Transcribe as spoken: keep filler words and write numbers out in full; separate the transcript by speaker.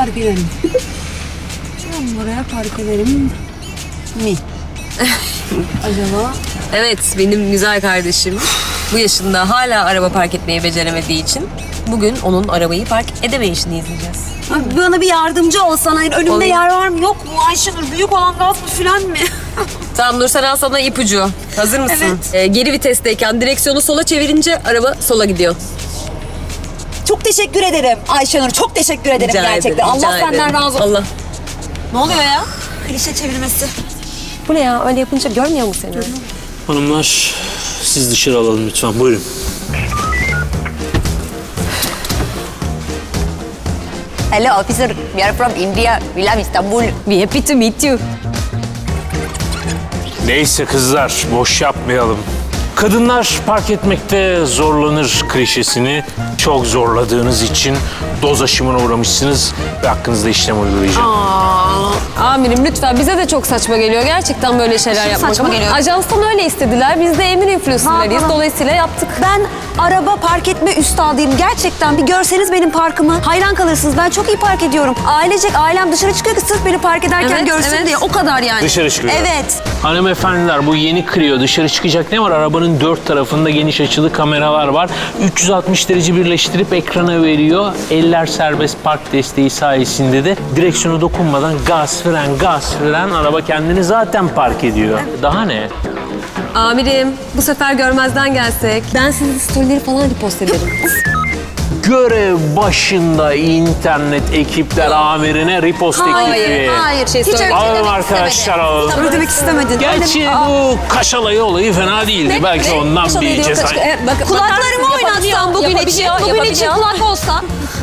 Speaker 1: park ederim. Ben buraya park ederim mi? Acaba?
Speaker 2: Evet, benim güzel kardeşim bu yaşında hala araba park etmeyi beceremediği için bugün onun arabayı park edemeyişini izleyeceğiz.
Speaker 1: Abi bana bir yardımcı olsan. Hayır, önümde
Speaker 2: Olayım.
Speaker 1: yer var mı yok mu? Ayşenur büyük olan gaz mı filan mı?
Speaker 2: Tamam Nursel, al sana ipucu. Hazır mısın?
Speaker 1: Evet.
Speaker 2: Ee, geri vitesteyken direksiyonu sola çevirince araba sola gidiyor.
Speaker 1: Çok teşekkür ederim Ayşenur. Çok teşekkür ederim
Speaker 2: Rica
Speaker 1: gerçekten.
Speaker 2: ederim, rica
Speaker 1: Allah senden
Speaker 2: ederim.
Speaker 1: razı olsun.
Speaker 2: Allah.
Speaker 1: Ne oluyor ya? Klişe çevirmesi.
Speaker 2: Bu ne ya? Öyle yapınca görmüyor mu seni?
Speaker 3: Hanımlar, siz dışarı alalım lütfen. Buyurun.
Speaker 4: Hello, officer. We are from India. We love Istanbul.
Speaker 2: We happy to meet you.
Speaker 3: Neyse kızlar, boş yapmayalım. Kadınlar park etmekte zorlanır klişesini çok zorladığınız için doz aşımına uğramışsınız ve hakkınızda işlem uygulayacağım.
Speaker 2: Aa, amirim lütfen, bize de çok saçma geliyor gerçekten böyle şeyler yapmak.
Speaker 1: saçma
Speaker 2: Ama
Speaker 1: geliyor.
Speaker 2: Ajanstan öyle istediler. Biz de emir influencer'larıyız.
Speaker 1: Ha, ha.
Speaker 2: Dolayısıyla yaptık.
Speaker 1: Ben araba park etme üstadıyım. Gerçekten bir görseniz benim parkımı hayran kalırsınız. Ben çok iyi park ediyorum. Ailecek ailem dışarı çıkıyor ki sırf beni park ederken
Speaker 2: Evet,
Speaker 1: görsün
Speaker 2: evet.
Speaker 1: diye. O kadar yani.
Speaker 3: Dışarı çıkıyor.
Speaker 1: Evet.
Speaker 3: Hanımefendiler, bu yeni Clio dışarı çıkacak ne var? Arabanın dört tarafında geniş açılı kameralar var. üç yüz altmış derece birleştirip ekrana veriyor. Eller serbest park desteği sayesinde de direksiyona dokunmadan gaz fren gaz fren araba kendini zaten park ediyor. Daha ne?
Speaker 2: Amirim, bu sefer görmezden gelsek. Ben sizin storyleri falan repost ederim.
Speaker 3: Görev başında internet ekipler amirine repost eklifi.
Speaker 1: Hayır.
Speaker 2: Şey
Speaker 1: Hiç öyle
Speaker 2: söyle-
Speaker 3: Alalım
Speaker 1: demek
Speaker 3: arkadaşlar,
Speaker 1: istemedin.
Speaker 3: alalım.
Speaker 1: Öyle demek istemedin.
Speaker 3: Gerçi
Speaker 1: Öyle- Aa,
Speaker 3: bu Kaşalayı olayı fena değildi. Belki ondan bir ceza.
Speaker 2: Evet, bak,
Speaker 1: Kulaklarımı oynatsam bugün için, bugün için kulak olsa.